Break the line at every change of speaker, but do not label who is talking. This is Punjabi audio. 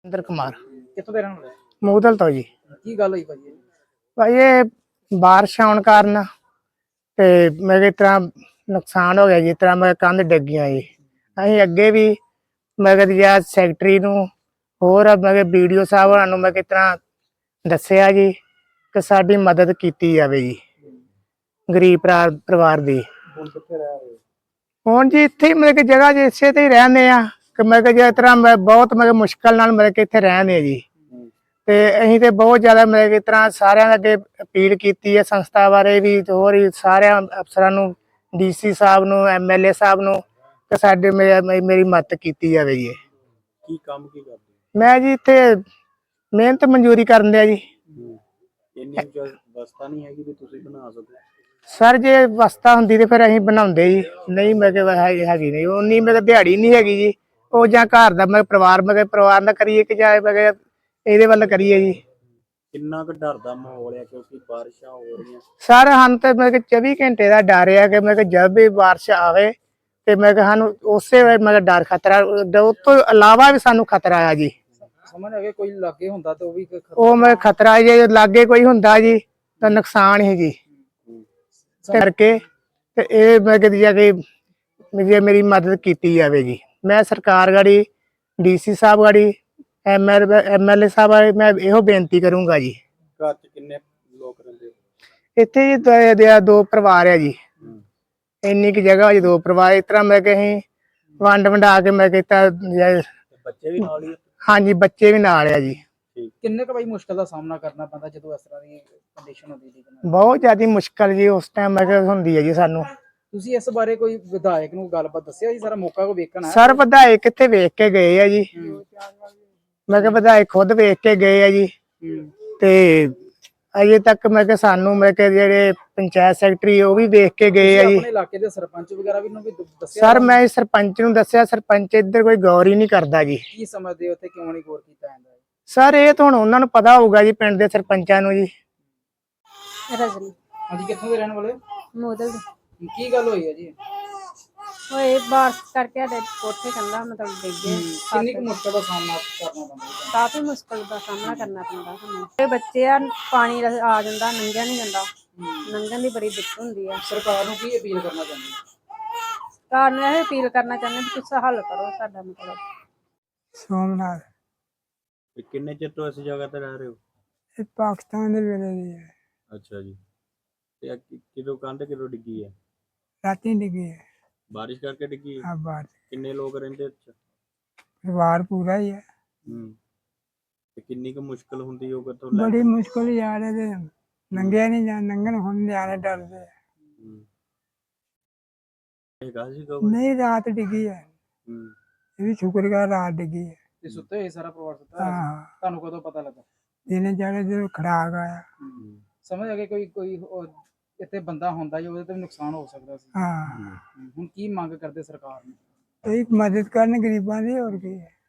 ਇੰਦਰ ਕੁਮਾਰ
ਕਿੱਥੋਂ ਦੇ ਰਹਿਣ ਵਾਲੇ?
ਮੂਦਲ ਤੋਂ ਜੀ।
ਕੀ ਗੱਲ ਹੋਈ ਭਾਜੀ?
ਭਾਈ ਇਹ ਬਾਰਿਸ਼ ਆਉਣ ਕਾਰਨ ਤੇ ਮੇਰੇ ਤਰ੍ਹਾਂ ਨੁਕਸਾਨ ਹੋ ਗਿਆ ਜੀ। ਤਰ੍ਹਾਂ ਮੈਂ ਕੰਧ ਡਿੱਗ ਗਿਆ ਜੀ। ਅਸੀਂ ਅੱਗੇ ਵੀ ਮੈਂ ਕਿਹਾ ਸੈਕਟਰੀ ਨੂੰ ਹੋਰ ਮੈਂ ਵੀਡੀਓ ਸਾਹਿਬ ਹੋਰਾਂ ਨੂੰ ਮੈਂ ਕਿਸ ਤਰ੍ਹਾਂ ਦੱਸਿਆ ਜੀ ਕਿ ਸਾਡੀ ਮਦਦ ਕੀਤੀ ਜਾਵੇ ਜੀ, ਗਰੀਬ ਪਰਿਵਾਰ ਦੀ।
ਹੁਣ ਕਿੱਥੇ ਰਹਿ ਰਹੇ?
ਹੁਣ ਜੀ ਇੱਥੇ ਹੀ ਮਤਲਬ ਕਿ ਜਗ੍ਹਾ ਜੀ ਇਸੇ ਤੇ ਹੀ ਰਹਿੰਦੇ ਆ ਕਿ ਮੈਂ ਕਿਹਾ ਜਿਸ ਤਰ੍ਹਾਂ ਮੈਂ ਬਹੁਤ ਮੁਸ਼ਕਲ ਨਾਲ ਮਤਲਬ ਕਿ ਇੱਥੇ ਰਹਿੰਦੇ ਆ ਜੀ। ਤੇ ਅਸੀਂ ਤੇ ਬਹੁਤ ਜ਼ਿਆਦਾ ਮਤਲਬ ਕਿ ਇਸ ਤਰ੍ਹਾਂ ਸਾਰਿਆਂ ਦੇ ਅੱਗੇ ਅਪੀਲ ਕੀਤੀ ਹੈ, ਸੰਸਥਾ ਬਾਰੇ ਵੀ ਤੇ ਹੋਰ ਹੀ ਸਾਰਿਆਂ ਅਫਸਰਾਂ ਨੂੰ, DC ਸਾਹਿਬ ਨੂੰ, MLA ਸਾਹਿਬ ਨੂੰ, ਕਿ ਸਾਡੇ ਮੇਰੀ ਮਦਦ ਕੀਤੀ ਜਾਵੇ ਜੀ।
ਕੀ ਕੰਮ ਕੀ ਕਰਦੇ?
ਮੈਂ ਜੀ ਇੱਥੇ ਮਿਹਨਤ ਮਨਜ਼ੂਰੀ ਕਰਨ ਦਿਆ ਜੀ।
ਇੰਨੀ ਵਸਤਾ ਨਹੀਂ ਹੈਗੀ ਵੀ ਤੁਸੀਂ ਬਣਾ ਸਕੋ।
ਸਰ ਜੇ ਵਸਤਾ ਹੁੰਦੀ ਤੇ ਫਿਰ ਅਸੀਂ ਬਣਾਉਂਦੇ ਜੀ, ਨਹੀਂ ਮੈਂ ਕਿਹਾ ਹੈਗੀ ਨਹੀਂ ਉਨੀ ਮੈਂ ਕਿਹਾ ਦਿਹਾੜੀ ਨਹੀਂ ਹੈਗੀ ਜੀ। ਉਹ ਜਾਂ ਘਰ ਦਾ ਮੈਂ ਪਰਿਵਾਰ ਦਾ ਕਰੀਏ ਕਿ ਜਾਂ ਮੈਂ ਕਿਹਾ ਇਹਦੇ ਵੱਲ ਕਰੀਏ ਜੀ।
ਕਿੰਨਾ ਕੁ ਡਰ ਦਾ ਮਾਹੌਲ ਹੈ ਕਿਉਂਕਿ ਬਾਰਿਸ਼ਾਂ ਹੋ ਰਹੀਆਂ?
ਸਰ ਸਾਨੂੰ ਤੇ ਮੈਂ ਕਿਹਾ 24 ਘੰਟੇ ਦਾ ਡਰ ਆ ਕਿ ਮੈਂ ਕਿਹਾ ਜਦ ਵੀ ਬਾਰਿਸ਼ ਆਵੇ ਤੇ ਮੈਂ ਕਿਹਾ ਸਾਨੂੰ ਉਸੇ ਵੇਲੇ ਮੈਂ ਕਿਹਾ ਡਰ ਖਤਰਾ, ਉਸ ਤੋਂ ਇਲਾਵਾ ਵੀ ਸਾਨੂੰ ਖਤਰਾ ਆ ਜੀ।
ਸਮਝ ਆ ਗਿਆ, ਕੋਈ ਲਾਗੇ ਹੁੰਦਾ ਤੇ ਉਹ ਵੀ
ਉਹ ਮੈਂ ਖਤਰਾ ਜੇ ਲਾਗੇ ਕੋਈ ਹੁੰਦਾ ਜੀ ਤਾਂ ਨੁਕਸਾਨ ਹੀ ਜੀ। ਕਰਕੇ ਤੇ ਇਹ ਮੈਂ ਕਿਹਾ ਜਾ ਕੇ ਮੇਰੀ ਮਦਦ ਕੀਤੀ ਜਾਵੇ ਜੀ। ਮੈਂ ਸਰਕਾਰ ਗਾੜੀ, DC ਸਾਹਿਬ ਗਾੜੀ, MLA ਸਾਹਿਬ ਮੈਂ ਇਹੋ ਬੇਨਤੀ ਕਰੂੰਗਾ ਜੀ।
ਘਰ ਚ ਕਿੰਨੇ ਲੋਕ ਰਹਿੰਦੇ?
ਇੱਥੇ ਜੀ ਦੋ ਪਰਿਵਾਰ ਆ ਜੀ। ਇੰਨੀ ਕੁ ਜਗ੍ਹਾ ਜੀ, ਦੋ ਪਰਿਵਾਰ। ਇਸ ਤਰ੍ਹਾਂ ਮੈਂ ਕਿਹਾ ਅਸੀਂ ਵੰਡ ਵੰਡਾ ਕੇ ਮੈਂ ਕੀਤਾ।
ਬੱਚੇ ਵੀ ਨਾਲ ਹੀ?
ਹਾਂਜੀ, ਬੱਚੇ ਵੀ ਨਾਲ ਆ ਜੀ।
ਕਿੰਨੇ ਕੁ ਬਾਈ ਮੁਸ਼ਕਲ ਦਾ ਸਾਹਮਣਾ ਕਰਨਾ ਪੈਂਦਾ ਜਦੋਂ ਇਸ ਤਰ੍ਹਾਂ ਦੀ ਕੰਡੀਸ਼ਨ ਹੁੰਦੀ ਜੀ?
ਬਹੁਤ ਜ਼ਿਆਦਾ ਮੁਸ਼ਕਲ ਜੀ ਉਸ ਟਾਈਮ ਮੈਂ ਕਿਹਾ ਹੁੰਦੀ ਹੈ ਜੀ ਸਾਨੂੰ।
ਤੁਸੀਂ ਇਸ ਬਾਰੇ ਕੋਈ ਵਿਧਾਇਕ ਨੂੰ ਗੱਲਬਾਤ ਦੱਸਿਆ ਜੀ? ਸਾਰਾ ਮੌਕਾ ਕੋ ਵੇਖਣ ਆਇਆ?
ਸਰ ਵਿਧਾਇਕ ਕਿੱਥੇ ਵੇਖ ਕੇ ਗਏ ਆ ਜੀ। ਮੈਂ ਕਿਹਾ ਵਿਧਾਇਕ ਖੁਦ ਵੇਖ ਕੇ ਗਏ ਆ ਜੀ। ਤੇ ਅਜੇ ਤੱਕ ਮੈਂ ਕਿਹਾ ਸਾਨੂੰ ਮੈਂ ਕਿਹਾ ਜਿਹੜੇ ਪੰਚਾਇਤ ਸੈਕਟਰੀ ਉਹ ਵੀ ਵੇਖ ਕੇ ਗਏ ਆ ਜੀ।
ਆਪਣੇ ਇਲਾਕੇ ਦੇ ਸਰਪੰਚ ਵਗੈਰਾ ਵੀ ਨੂੰ ਵੀ ਦੱਸਿਆ?
ਸਰ ਮੈਂ ਸਰਪੰਚ ਨੂੰ ਦੱਸਿਆ, ਸਰਪੰਚ ਇੱਧਰ ਕੋਈ ਗੌਰ ਹੀ ਨਹੀਂ ਕਰਦਾ ਜੀ।
ਕੀ ਸਮਝਦੇ ਹੋ ਉੱਥੇ ਕਿਉਂ ਨਹੀਂ ਗੌਰ ਕੀਤਾ ਜਾਂਦਾ?
ਸਰ ਇਹ ਤਾਂ ਹੁਣ ਉਹਨਾਂ ਨੂੰ ਪਤਾ ਹੋਊਗਾ ਜੀ, ਪਿੰਡ ਦੇ ਸਰਪੰਚਾਂ ਨੂੰ ਜੀ।
ਰਜਨੀ।
ਹਾਂਜੀ, ਕਿੱਥੋਂ ਦੇ ਰਹਿਣ ਵਾਲੇ?
ਮੋਦਲ।
ਕੀ ਗੱਲ ਹੋਈ ਹੈ ਜੀ?
ਹੋਏ ਬਾਰਿਸ਼ ਕਰਕੇ ਸਾਡੇ ਕੋਠੇ ਕੰਧਾਂ ਮਤਲਬ ਡਿੱਗ ਗਏ।
ਕਿੰਨੀ ਕੁ ਮੁਸ਼ਕਲ ਦਾ ਸਾਹਮਣਾ ਕਰਨਾ ਪੈਂਦਾ?
ਕਾਫੀ ਮੁਸ਼ਕਲ ਦਾ ਸਾਹਮਣਾ ਕਰਨਾ ਪੈਂਦਾ ਸਾਨੂੰ। ਇਹ ਬੱਚੇ ਆ, ਪਾਣੀ ਆ ਜਾਂਦਾ, ਲੰਘਿਆ ਨਹੀਂ ਜਾਂਦਾ, ਲੰਘਣ ਦੀ ਬੜੀ ਦਿੱਕਤ ਹੁੰਦੀ ਆ।
ਸਰਕਾਰ ਨੂੰ ਕੀ ਅਪੀਲ ਕਰਨਾ ਚਾਹੁੰਦੇ?
ਸਰਕਾਰ ਨੂੰ ਇਹ ਅਪੀਲ ਕਰਨਾ ਚਾਹੁੰਦੇ ਵੀ ਤੁਸੀਂ ਹੱਲ ਕਰੋ ਸਾਡਾ ਮਤਲਬ।
ਸੋਮਨਾਥ।
ਕਿੰਨੇ ਚਿਰ ਤੋਂ ਇਸ ਜਗ੍ਹਾ ਤੇ ਰਹਿ ਰਹੇ ਹੋ?
ਇਹ ਪਾਕਿਸਤਾਨ ਦੇ ਵੇਲੇ ਦੀ ਹੈ।
ਅੱਛਾ ਜੀ। ਤੇ ਕਿਦੋਂ ਕੰਧ ਕਿਦੋਂ ਡਿੱਗੀ ਹੈ?
ਰਾਤੀ ਡਿੱਗੀ ਹੈ।
ਬਾਰਿਸ਼ ਕਰਕੇ ਡਿੱਗੀ ਹੈ?
ਆ ਬਾਹਰ
ਕਿੰਨੇ ਲੋਕ ਰਹਿੰਦੇ ਇੱਥੇ?
ਪਰਿਵਾਰ ਪੂਰਾ ਹੀ ਹੈ।
ਤੇ ਕਿੰਨੀ ਕੁ ਮੁਸ਼ਕਲ ਹੁੰਦੀ ਹੋਊ? ਕਿੱਥੋਂ
ਬੜੀ ਮੁਸ਼ਕਲ ਜਾ ਰਹੇ ਤੇ ਲੰਘਿਆ ਨਹੀਂ ਜਾਂ ਲੰਘਣ ਹੁਣ ਨਿਆਣੇ ਡਰਦੇ ਨਹੀਂ। ਰਾਤ ਡਿੱਗੀ ਹੈ। ਇਹ ਵੀ ਸ਼ੁਕਰ ਕਰ ਰਾਤ ਡਿੱਗੀ ਹੈ।
ਤੇ ਸੁੱਤੇ ਹੋਏ ਸਾਰਾ ਪਰਿਵਾਰ ਸੁੱਤਾ?
ਹਾਂ।
ਤੁਹਾਨੂੰ ਕਦੋਂ ਪਤਾ ਲੱਗਾ?
ਦਿਨੇ ਜਾਣੇ ਜਦੋਂ ਖੜਾਕ ਆਇਆ।
ਸਮਝ ਆ ਗਿਆ ਕੋਈ ਇੱਥੇ ਬੰਦਾ ਹੁੰਦਾ ਜੀ, ਉਹਦੇ ਤੇ ਵੀ ਨੁਕਸਾਨ ਹੋ ਸਕਦਾ ਸੀ।
ਹਾਂ।
ਹੁਣ ਕੀ ਮੰਗ ਕਰਦੇ ਸਰਕਾਰ ਨੂੰ?
ਇਹ ਮਦਦ ਕਰਨ ਗਰੀਬਾਂ ਦੀ, ਹੋਰ ਕੀ ਹੈ।